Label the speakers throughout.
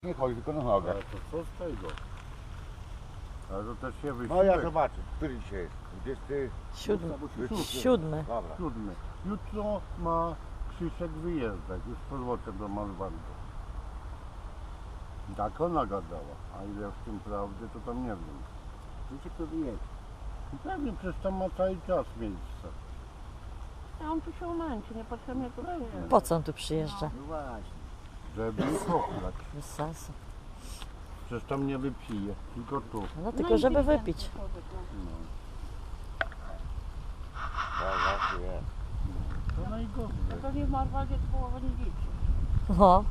Speaker 1: Nie chodzi, tylko na nogach.
Speaker 2: Ale to co z tego? Ale to też się wysiłek.
Speaker 1: No ja zobaczę, który dzisiaj jest?
Speaker 3: 7.
Speaker 1: 27.
Speaker 3: 7.
Speaker 1: Dobra.
Speaker 2: 7. Jutro ma Krzysiek wyjeżdżać, już z powrotem do Malwandu. Tak ona gadała, a ile w tym prawdy, to tam nie wiem.
Speaker 1: Krzysiek to wyjedzie.
Speaker 2: Pewnie, przecież tam ma cały czas miejsce.
Speaker 4: A on tu się umęczy, niepotrzebnie tu przyjeżdża.
Speaker 3: Po co on tu przyjeżdża?
Speaker 1: No właśnie.
Speaker 2: Żeby ich ochlać.
Speaker 3: Bez sensu.
Speaker 2: Przecież tam nie wypije, tylko tu.
Speaker 3: No tylko żeby wypić.
Speaker 1: Tak, właśnie jest.
Speaker 2: To najgorzej.
Speaker 4: To pewnie w Marwadzie połowa nie liczy.
Speaker 3: No,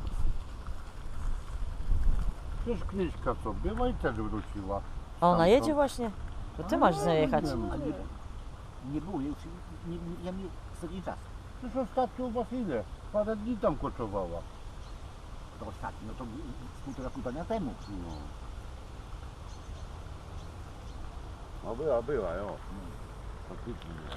Speaker 2: Przecież Kryśka co, była i też wróciła.
Speaker 3: a ona
Speaker 2: Stamtąd.
Speaker 3: jedzie właśnie. To ty masz z nią jechać.
Speaker 1: Nie było, ja nie ostatni czas.
Speaker 2: Przecież ostatnio u was ile? Parę dni tam koczowała.
Speaker 1: To ostatni, no to z 1,5 dnia temu. No była, jo. Faktycznie była.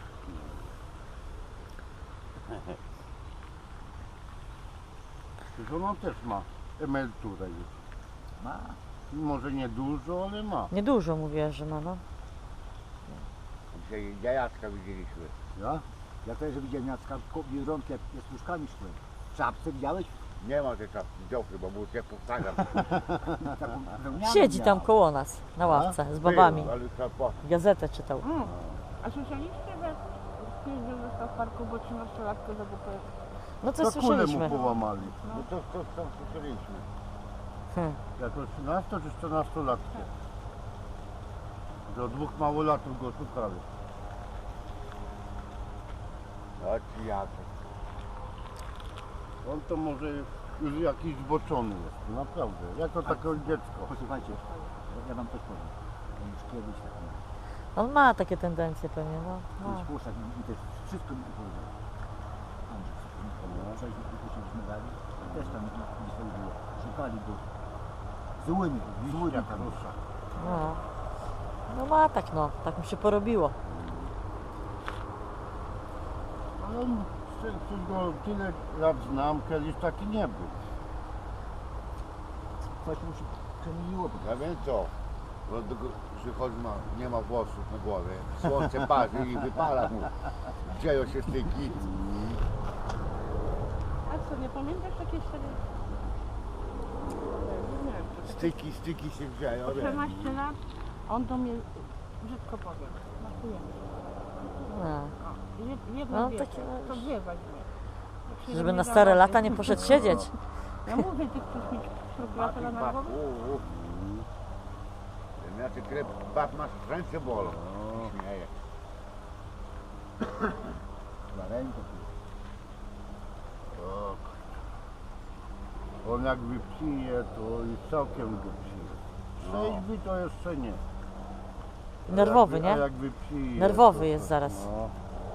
Speaker 2: Przecież ona też ma emeryturę już.
Speaker 1: Ma.
Speaker 2: Może nie dużo, ale ma.
Speaker 3: Niedużo mówię, że ma, no.
Speaker 1: Dzisiaj jajaczka widzieliśmy.
Speaker 2: Ja?
Speaker 5: Ja też widziałem Jacka Biedronki, jak z puszkami szły. W czapce widziałeś?
Speaker 1: Nie ma tej czapki, wziął chyba, bo już ja powtarzam.
Speaker 5: Taką wełnianą
Speaker 3: Siedzi tam
Speaker 5: miał.
Speaker 3: koło nas, na ławce, z babami.
Speaker 1: Był, ale trzeba po...
Speaker 3: Gazetę czytał.
Speaker 4: A słyszeliście, że pięknie został w parku, bo 13-latkę zabupował?
Speaker 3: No to
Speaker 2: To kulę
Speaker 3: słyszeliśmy.
Speaker 2: mu połamali.
Speaker 1: No to tam słyszeliśmy.
Speaker 2: Jako 13 czy 14 latkę. Do 2 małolatów go szukali.
Speaker 1: A ci Jacek.
Speaker 2: On to może już jakiś zboczony jest, naprawdę. Jako takie dziecko.
Speaker 5: Posłuchajcie, ja wam coś powiem. On już kiedyś tak mówił.
Speaker 3: On ma takie tendencje pewnie, no.
Speaker 5: Kiedyś
Speaker 3: Ma.
Speaker 5: Puszczak mi też wszystko mi powiedział. Andrzej, przejdźmy dalej. Też tam gdzieś tam było. Szukali go. Złymi tam.
Speaker 2: Rusza.
Speaker 3: No. No ma tak, no. Tak mu się porobiło.
Speaker 2: Ale on, przecież go tyle lat znam, kiedyś taki nie był.
Speaker 5: Coś mu się przemieniło.
Speaker 1: Ja wiem co, bo przychodzi nie ma włosów na głowie, słońce parzy i wypala mu. Dzieją się styki.
Speaker 4: A co, nie pamiętasz takiej serii? Nie wiem, to takie
Speaker 1: Styki się dzieją.
Speaker 4: po
Speaker 1: wiem.
Speaker 4: 14 lat, on do mnie brzydko powie. Smakujemy.
Speaker 3: No.
Speaker 4: Jedno
Speaker 3: No,
Speaker 4: no,
Speaker 3: takie,
Speaker 4: to dwie weźmie. Jak się
Speaker 3: Żeby
Speaker 4: do
Speaker 3: na
Speaker 4: mnie
Speaker 3: stare
Speaker 4: zawadzi.
Speaker 3: lata nie poszedł siedzieć.
Speaker 4: Ja mówię, ty chcesz mieć prokuratora na głowę?
Speaker 1: Znaczy krew, bab masz ręce bolą. Śmieje.
Speaker 5: Na rękę.
Speaker 2: O, on jak wypije, to i całkiem wypije. Trzeźwy to jeszcze nie.
Speaker 3: Nerwowy,
Speaker 2: A
Speaker 3: nie?
Speaker 2: jak wypije,
Speaker 3: Nerwowy
Speaker 2: to-
Speaker 3: jest zaraz.
Speaker 2: No.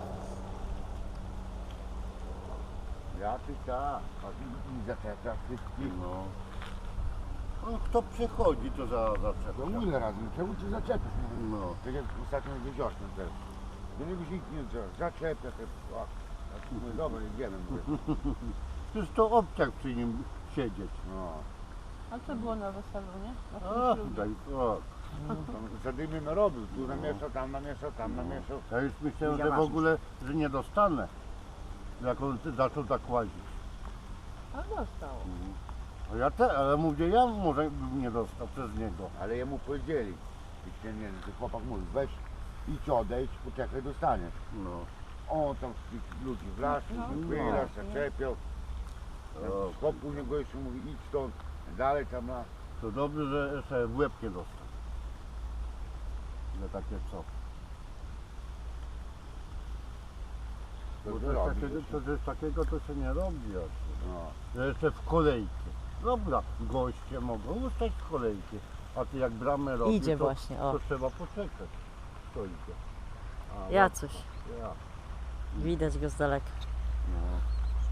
Speaker 1: Ja ty tak, i zaczepia wszystkich.
Speaker 2: No. On kto przechodzi, to
Speaker 1: To
Speaker 2: zaczepia.
Speaker 1: ile razy, czemu cię zaczepisz?
Speaker 2: No.
Speaker 1: Tak jak ostatnio wieczorem też. To nie byś nikt nie zaczepia te... O, mówię, dobra, idziemy. Mówię.
Speaker 2: Przecież to obciach przy nim siedzieć.
Speaker 1: No.
Speaker 4: A co było na weselu, nie? Na tym
Speaker 2: A,
Speaker 4: ślubie.
Speaker 2: daj, o.
Speaker 1: Tam zadymy narobił, tu namieszał, tam namieszał, tam namieszał.
Speaker 2: Ja już myślałem, że w ogóle, że nie dostanę. Jak on zaczął tak łazić.
Speaker 4: A dostał.
Speaker 2: Ale mówię, ja może bym nie dostał przez niego.
Speaker 1: Ale jemu powiedzieli, nie, to chłopak mówi, weź idź odejdź, poczekaj, dostaniesz.
Speaker 2: No.
Speaker 1: On tam z tych ludzi wlazł, wyjechał, zaczepiał.
Speaker 2: O,
Speaker 1: Chłop później go jeszcze mówi, idź stąd, dalej tam ma.
Speaker 2: to dobrze, że jeszcze w łeb nie dostał. Że takie co.
Speaker 1: To
Speaker 2: Bo
Speaker 1: ty
Speaker 2: coś
Speaker 1: robisz
Speaker 2: takiego,
Speaker 1: jeszcze.
Speaker 2: coś takiego to się nie robi. Jeszcze.
Speaker 1: No.
Speaker 2: Że jeszcze w kolejce. Dobra, goście mogą ustać w kolejkę. A ty jak bramę robisz,
Speaker 3: Idzie
Speaker 2: to,
Speaker 3: właśnie, o.
Speaker 2: to trzeba poczekać. Kto idzie? A,
Speaker 3: Jacuś.
Speaker 2: Ja.
Speaker 3: Widać go z daleka.
Speaker 2: No.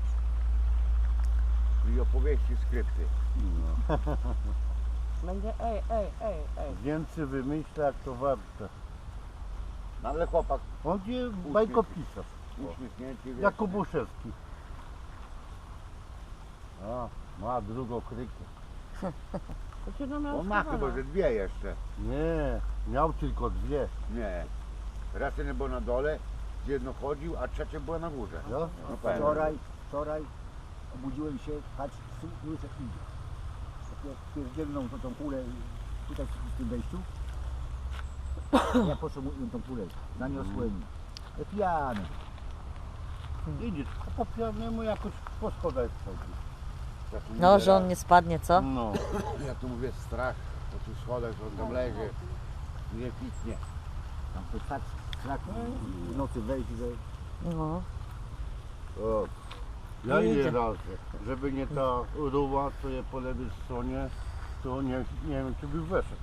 Speaker 1: I opowieści, skrypty.
Speaker 2: No.
Speaker 4: Będzie ej.
Speaker 2: Więcej wymyśla jak to warte.
Speaker 1: No ale chłopak
Speaker 2: On jest bajkopisarz.
Speaker 1: uśmiechnięty. wiesz,
Speaker 2: Jak Kubuszewski. A, ma drugą krykę.
Speaker 4: To się do miał
Speaker 1: On ma chyba, że dwie jeszcze.
Speaker 2: Nie, miał tylko dwie.
Speaker 1: Nie. Raz jeden był na dole, gdzie jedno chodził, a trzecie było na górze.
Speaker 2: No?
Speaker 1: No pewnie.
Speaker 5: Wczoraj obudziłem się, patrz, łysek idzie. Pierdzielną tą kulę tutaj w tym wejściu. Ja potrzebuję tą kulę, zaniosłem. Pijany.
Speaker 2: Widzisz, a po pijanemu jakoś po schodach chodzi.
Speaker 1: Ja tu
Speaker 3: No,
Speaker 1: mówię
Speaker 3: że on
Speaker 1: raz-
Speaker 3: nie spadnie, co?
Speaker 2: No.
Speaker 1: Ja tu mówię strach po tych schodach, że on tam leży. Nie piknie.
Speaker 5: Tam to tak strach w nocy wejść, że
Speaker 3: No.
Speaker 2: O. Ja
Speaker 3: Nie
Speaker 2: ile
Speaker 3: idzie.
Speaker 2: razy, żeby nie ta ruła, co je po lewej stronie, to nie wiem, czy by weszedł.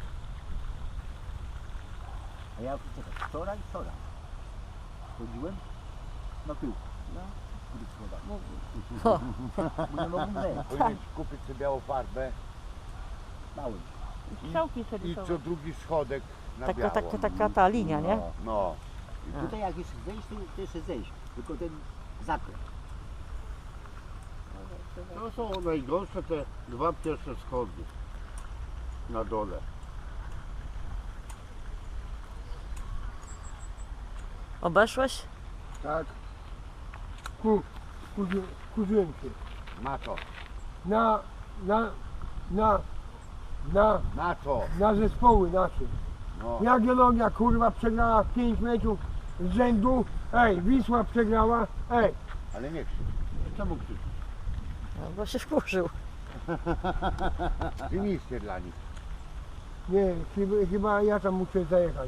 Speaker 5: a ja czekaj, wczoraj chodziłem na tył. W tych schodach. Bo nie mogłem wejść.
Speaker 1: Powinieneś kupić sobie białą farbę
Speaker 5: Bałem.
Speaker 4: Strzałki sobie
Speaker 1: i
Speaker 4: rysować.
Speaker 1: co drugi schodek na
Speaker 3: Taka,
Speaker 1: biało.
Speaker 3: taka ta linia, nie?
Speaker 1: No.
Speaker 5: Tutaj jak jest zejść, to jeszcze zejść. Tylko ten zakręt.
Speaker 2: To są najgorsze te dwa pierwsze schody na dole.
Speaker 3: Obeszłeś?
Speaker 6: Tak. Kurzyłem się.
Speaker 1: Na to.
Speaker 6: Na
Speaker 1: Na to.
Speaker 6: na zespoły nasze.
Speaker 1: No.
Speaker 6: Jagiellonia kurwa przegrała 5 meczów z rzędu. Ej, Wisła przegrała. Ej,
Speaker 1: Ale nie krzycz.
Speaker 2: Czemu krzyczysz?
Speaker 3: No, bo się wkurzył.
Speaker 1: Ty miejsce dla nich.
Speaker 6: nie, chyba ja tam muszę zajechać.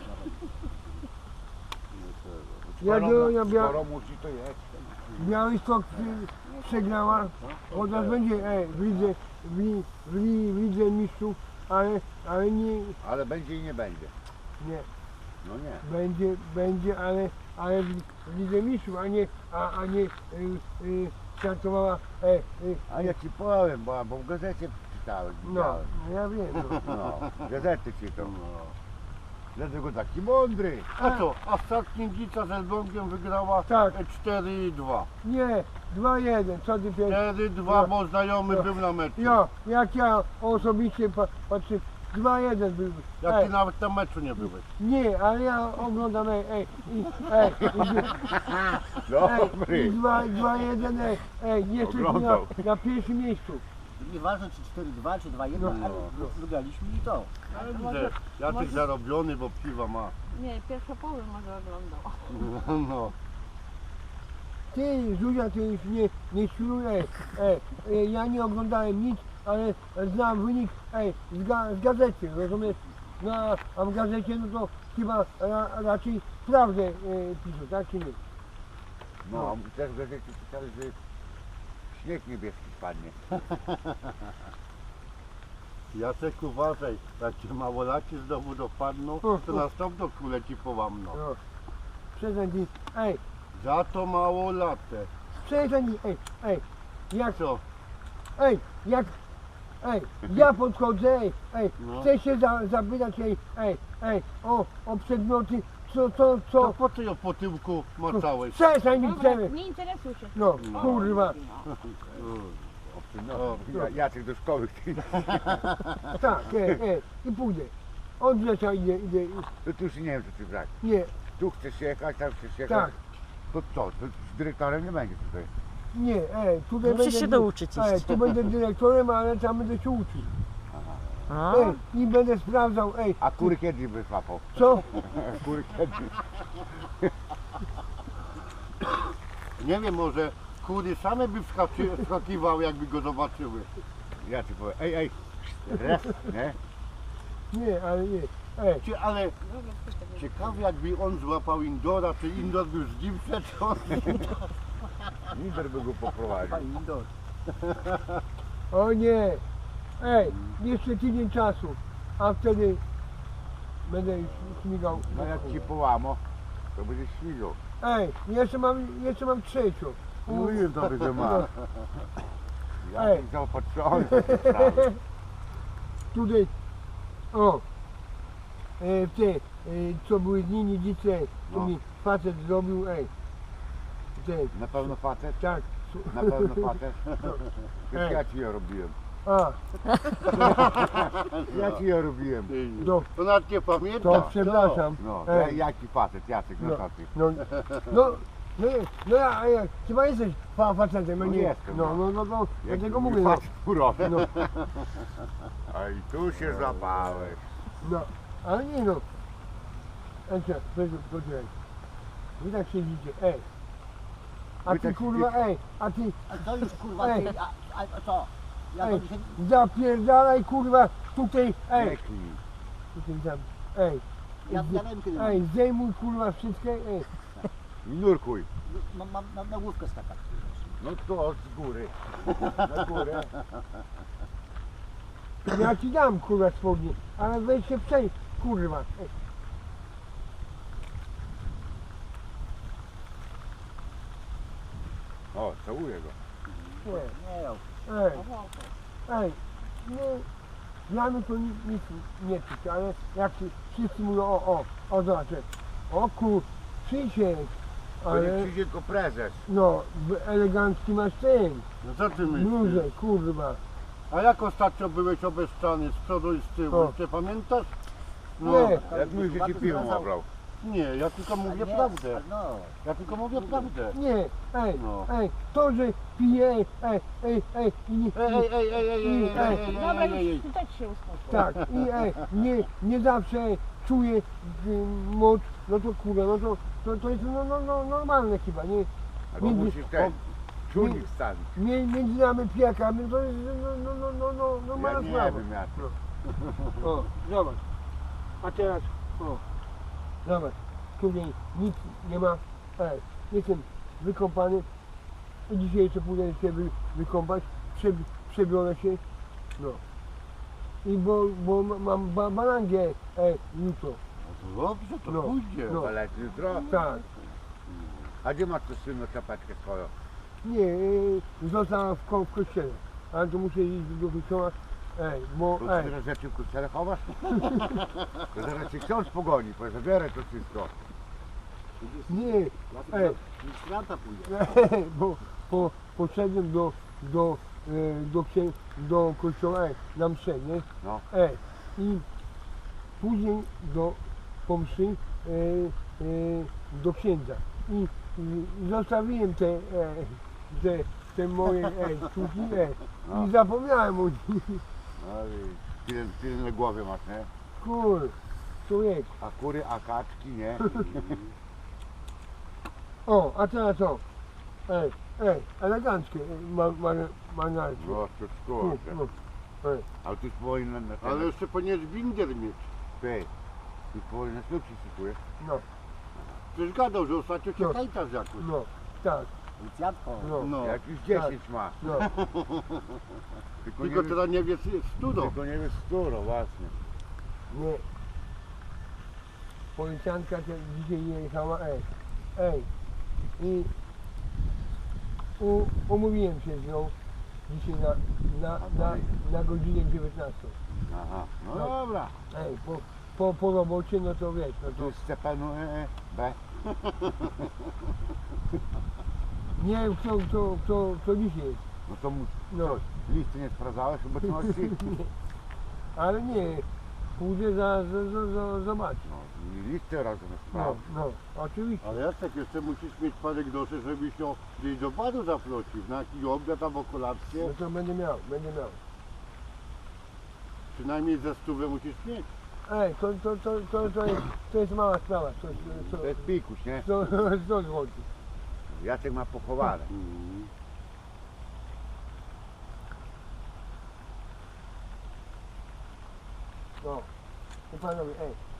Speaker 6: Jagiellonia
Speaker 1: Skoro musi to jest.
Speaker 6: Białystok przegrała. Od nas będzie w lidze mistrzów, ale
Speaker 1: Ale będzie i nie będzie.
Speaker 6: nie.
Speaker 1: No nie.
Speaker 6: Będzie, ale w lidze mistrzów, a nie startowała.
Speaker 1: A ja ci powiem, bo w gazecie czytałem.
Speaker 6: No,
Speaker 1: widziałem.
Speaker 6: ja wiem.
Speaker 1: No. Gazety czytam. Dlatego taki mądry.
Speaker 2: A co? A Starknięcica z Elblągiem wygrała
Speaker 6: Tak.
Speaker 2: 4-2.
Speaker 6: Nie, 2-1, co ty pierdolisz?
Speaker 2: 4-2, bo znajomy był na meczu.
Speaker 6: Jak ja osobiście patrzę, 2-1 był.
Speaker 2: Jak ty nawet na meczu nie byłeś.
Speaker 6: Nie, ale ja oglądam,
Speaker 1: Dobry.
Speaker 6: 2-1, jesteśmy
Speaker 1: Oglądał.
Speaker 6: na pierwszym miejscu.
Speaker 5: Nieważne czy 4-2 czy 2-1,
Speaker 6: No.
Speaker 5: ale wygraliśmy i to.
Speaker 2: Ale
Speaker 4: to może-
Speaker 2: widzę, Jacek
Speaker 4: może-
Speaker 2: zarobiony, bo piwa ma.
Speaker 4: Nie, pierwsze poły może oglądał.
Speaker 2: No.
Speaker 6: Ty, Zuzia, ty już nie świruj, ja nie oglądałem nic, ale znam wynik, z gazety, rozumiesz? No, a w gazecie, no to chyba raczej prawdę piszą, tak czy nie?
Speaker 1: No, też w gazecie pisali, że śnieg niebieski spadnie.
Speaker 2: Jacek uważaj, jak cię małolaki znowu dopadną, to następną kulę ci połamną.
Speaker 6: No. Przestań ty,
Speaker 2: Za to małolatę.
Speaker 6: przestań ty, jak,
Speaker 2: Co?
Speaker 6: ja podchodzę,
Speaker 2: No.
Speaker 6: chcę się zapytać, o przedmioty,
Speaker 2: To
Speaker 6: co,
Speaker 2: po co ją po tyłku macałeś?
Speaker 6: przestań mi
Speaker 4: Dobra,
Speaker 6: chcemy,
Speaker 4: nie interesuj się.
Speaker 6: no, kurwa,
Speaker 1: No, Jacek do szkoły chce.
Speaker 6: tak, i pójdę, od rzecza idę,
Speaker 1: To ty już nie wiem, co ty brać.
Speaker 6: nie,
Speaker 1: Tu chcesz jechać, tam chcesz jechać.
Speaker 6: tak,
Speaker 1: To co? To z dyrektorem nie będzie tutaj.
Speaker 6: nie, tutaj
Speaker 3: Musisz się
Speaker 6: będę,
Speaker 3: douczyć iść.
Speaker 6: tu będę dyrektorem, ale tam będę się uczył,
Speaker 3: A,
Speaker 6: i będę sprawdzał,
Speaker 1: A kury kiedy by złapał?
Speaker 6: co,
Speaker 1: Kury kiedy?
Speaker 2: Nie wiem, może kury same by wskakiwały, jakby go zobaczyły.
Speaker 1: Ja ci powiem, ej, raz, nie?
Speaker 6: nie, ale nie,
Speaker 2: Ale ciekawe, jakby on złapał Indora, czy Indor był z nim przeczony.
Speaker 1: Lider by go poprowadził.
Speaker 5: Pani Indor.
Speaker 6: o nie, jeszcze tydzień czasu, a wtedy będę już śmigał.
Speaker 1: No jak ci połamo, to będzie śmigał.
Speaker 6: Jeszcze mam trzecią.
Speaker 1: Mówiłem tobie, że ma. Ja
Speaker 6: Ej.
Speaker 1: jestem zaopatrzony w takie sprawy.
Speaker 6: Tutaj, co były dni niedzice, to
Speaker 1: No.
Speaker 6: mi facet zrobił,
Speaker 1: Na pewno facet?
Speaker 6: tak,
Speaker 1: Na pewno facet?
Speaker 6: Ej.
Speaker 1: Przecież ja ci je robiłem.
Speaker 6: A,
Speaker 1: Ja ci je robiłem.
Speaker 6: No.
Speaker 2: To nawet nie pamiętam.
Speaker 6: to przepraszam.
Speaker 1: No,
Speaker 6: Ej.
Speaker 1: jaki facet, Jacek, no
Speaker 6: No.
Speaker 1: to ty.
Speaker 6: No, ja, chyba jesteś facetem,
Speaker 1: No
Speaker 6: nie?
Speaker 1: jestem,
Speaker 6: No,
Speaker 1: Jak
Speaker 6: dlatego
Speaker 1: mój
Speaker 6: mówię, no,
Speaker 1: facet urośnie.
Speaker 6: no,
Speaker 1: A i tu się złapałeś.
Speaker 6: no, ale nie no. Poczekaj. Wy tak siedzicie, A
Speaker 1: Wy
Speaker 6: ty
Speaker 1: tak
Speaker 6: kurwa, a ty,
Speaker 5: A to już kurwa,
Speaker 6: Ej.
Speaker 5: ty, a co? Ja to dzisiaj...
Speaker 6: zapierdalaj kurwa, tutaj,
Speaker 1: Nie klij.
Speaker 6: tutaj tam,
Speaker 5: Ja wiem kiedy
Speaker 6: zdejmuj kurwa wszystkie,
Speaker 1: I nurkuj.
Speaker 5: mam na główkę skakać.
Speaker 1: No to z góry. Na górę.
Speaker 6: ja ci dam kurwa spodnie, ale weź się przejdź, kurwa,
Speaker 1: O, całuję go.
Speaker 6: nie.
Speaker 5: Nie,
Speaker 6: Nie, dla mnie to nic nie czuć, ale jak wszyscy mówią, zobacz, Krzysiek,
Speaker 1: To nie
Speaker 6: ale
Speaker 1: przyjdzie tylko prezes.
Speaker 6: no, elegancki masz ten,
Speaker 2: No co ty myślisz?
Speaker 6: bluzę, kurwa,
Speaker 2: A jak ostatnio byłeś obeszczany z przodu i z tyłu?
Speaker 6: O.
Speaker 2: Ty pamiętasz? No,
Speaker 6: Nie.
Speaker 1: Jak mój że ci piwo nabrał.
Speaker 2: nie, ja tylko mówię
Speaker 5: nie,
Speaker 2: prawdę.
Speaker 5: No,
Speaker 2: Ja tylko mówię prawdę.
Speaker 6: nie,
Speaker 2: No.
Speaker 6: to, że pije, i nie,
Speaker 4: Dobra, ty też się uspokój.
Speaker 6: tak, i nie zawsze czuje moc, no to kurwa, to jest normalne chyba, nie?
Speaker 1: Albo
Speaker 6: Między-
Speaker 1: musisz ten czujnik wstawić.
Speaker 6: Między nami pijakami to jest
Speaker 1: Ja
Speaker 6: normalna
Speaker 1: nie
Speaker 6: sprawa.
Speaker 1: wiem jak.
Speaker 6: O, zobacz. A teraz, zobacz. Tutaj nic nie ma. Jestem wykąpany. I dzisiaj jeszcze pójdę się wykąpać. Przebiorę się. No. I bo mam balangę jutro.
Speaker 2: No to dobrze, to
Speaker 6: No.
Speaker 2: pójdzie.
Speaker 6: No.
Speaker 1: Balec jutro.
Speaker 6: Tak.
Speaker 1: A gdzie masz tu słynną czapeczkę swoją?
Speaker 6: Nie, została w kościele. Ale to muszę iść do kościoła. Bo
Speaker 1: Tu tyle rzeczy w kościele chowasz? To zaraz cię ksiądz pogoni, powie, zabieraj to wszystko.
Speaker 6: nie,
Speaker 5: ministranta pójdzie.
Speaker 6: bo poszedłem do kościoła na mszę, nie?
Speaker 1: No.
Speaker 6: I później po mszy do księdza. I zostawiłem te moje sztuki
Speaker 1: No.
Speaker 6: i zapomniałem o nich.
Speaker 1: No i tyle na głowie masz, nie?
Speaker 6: Kur, człowiek.
Speaker 1: A kury, a kaczki, nie?
Speaker 6: O, a teraz co? Eleganckie manarki.
Speaker 1: No to szkoda.
Speaker 6: No.
Speaker 1: Ale tu już powinien na
Speaker 2: Ale jeszcze powinieneś binder mieć.
Speaker 1: Ty, tu powinien na ślub się szykuje.
Speaker 6: No,
Speaker 2: Przecież gadał, że ostatnio cię
Speaker 6: No.
Speaker 2: hejtasz jakoś.
Speaker 6: no, tak,
Speaker 5: Policjantko.
Speaker 6: no,
Speaker 2: No.
Speaker 1: Jak już 10 ma.
Speaker 6: no.
Speaker 1: Tylko
Speaker 2: Tylko
Speaker 1: nie
Speaker 2: teraz nie wiesz, jest studo.
Speaker 1: Tylko nie wiesz którą, właśnie.
Speaker 6: Nie. Policjantka dzisiaj jechała, I umówiłem się z nią dzisiaj na godzinę 19.
Speaker 1: Aha, no
Speaker 6: No.
Speaker 1: dobra.
Speaker 6: Po robocie, no to wiesz, no
Speaker 1: Tu
Speaker 6: to
Speaker 1: jest Stefanu B.
Speaker 6: nie wiem kto dzisiaj jest.
Speaker 1: No to mu
Speaker 6: No.
Speaker 1: listy nie sprawdzałeś obecności?
Speaker 6: Ale nie, pójdę zobaczyć.
Speaker 1: No i listy razem
Speaker 6: No,
Speaker 1: sprawdź.
Speaker 6: no, oczywiście.
Speaker 2: Ale Jacek, jeszcze musisz mieć parę groszy, żebyś ją gdzieś do baru zaprosił. Na jakiś obiad albo kolację.
Speaker 6: No to będę miał.
Speaker 2: Przynajmniej ze 100 musisz mieć.
Speaker 6: To jest mała sprawa.
Speaker 1: To jest pikuś, nie?
Speaker 6: 100 złotych.
Speaker 1: Jacek ma pochowane.
Speaker 6: No. I panowie,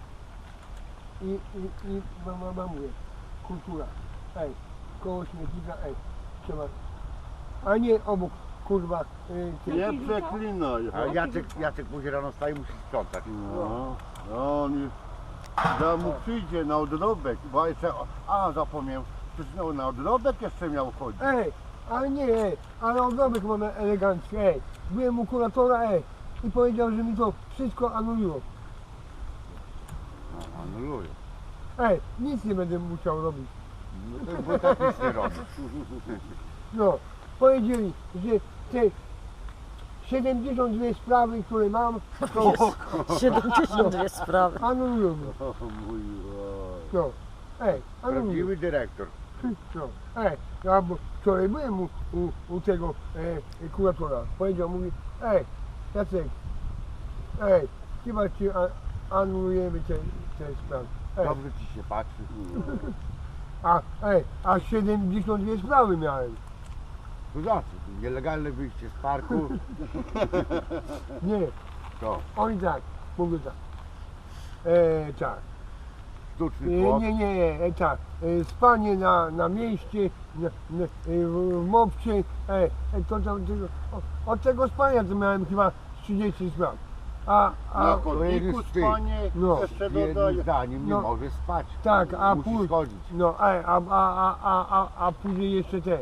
Speaker 6: I mówię, kultura, koło śmietnika, trzeba, a nie obok, kurwa,
Speaker 2: Nie przeklinaj.
Speaker 1: A Jacek później rano wstaje i musi sprzątać.
Speaker 2: No, on już mu przyjdzie na odrobek, bo jeszcze, zapomniałem, przecież na odrobek jeszcze miał chodzić.
Speaker 6: ale nie, ale obrobek mam elegancki, byłem u kuratora, i powiedział, że mi to wszystko anuluło.
Speaker 1: No, anuluję.
Speaker 6: Nic nie będę musiał robić.
Speaker 1: No to bo tak nic nie robi.
Speaker 6: No, powiedzieli, że te 72 sprawy, które mam, to
Speaker 3: 72 sprawy.
Speaker 6: anulują mnie.
Speaker 2: O mój oj.
Speaker 6: No. Anulują.
Speaker 1: Prawdziwy dyrektor.
Speaker 6: No. Ja wczoraj byłem u tego kuratora. Powiedział, mówi, Jacek, chyba ci anulujemy te sprawy.
Speaker 1: Dobrze ci się patrzy.
Speaker 6: A 72 sprawy miałem.
Speaker 1: To za co? Nielegalne wyjście z parku.
Speaker 6: Nie,
Speaker 1: To
Speaker 6: oni tak, mówią tak. Tak.
Speaker 1: sztuczny płot.
Speaker 6: Nie, tak. Spanie na mieście, w mopcie. To tam, od tego spania to miałem chyba 30 spraw.
Speaker 2: Na
Speaker 6: A
Speaker 2: chodniku
Speaker 1: wstyd.
Speaker 2: spanie,
Speaker 6: No.
Speaker 2: jeszcze
Speaker 1: Jednym
Speaker 2: dodaję.
Speaker 1: zdaniem nie
Speaker 6: No.
Speaker 1: może spać.
Speaker 6: tak, a
Speaker 1: Musi
Speaker 6: później.
Speaker 1: schodzić.
Speaker 6: No, a później jeszcze te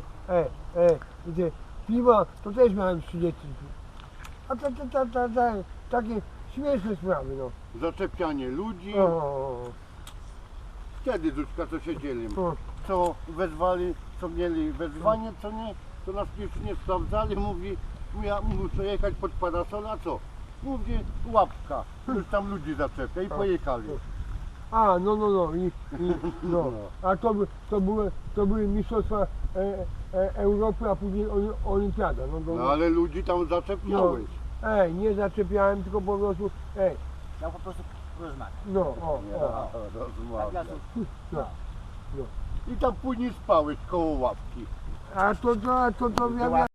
Speaker 6: piwa, to też miałem 30. A takie śmieszne sprawy, no.
Speaker 2: Zaczepianie ludzi.
Speaker 6: O,
Speaker 2: Wtedy Zuczka co siedzieli.
Speaker 6: o.
Speaker 2: Co wezwali, co mieli wezwanie, co nie, to nas jeszcze nie sprawdzali, mówi, ja muszę jechać pod parasol, a co? Mówi, łapka, już tam ludzi zaczepia i pojechali.
Speaker 6: A, no, no. A to były mistrzostwa Europy, a później olimpiada.
Speaker 2: No ale ludzi tam zaczepiałeś.
Speaker 6: Nie zaczepiałem, tylko po prostu,
Speaker 5: Ja po prostu rozmawiam.
Speaker 6: no, o.
Speaker 5: Tak,
Speaker 2: Rozumiem.
Speaker 6: No.
Speaker 2: I tam później spałeś koło łapki.
Speaker 6: A to ja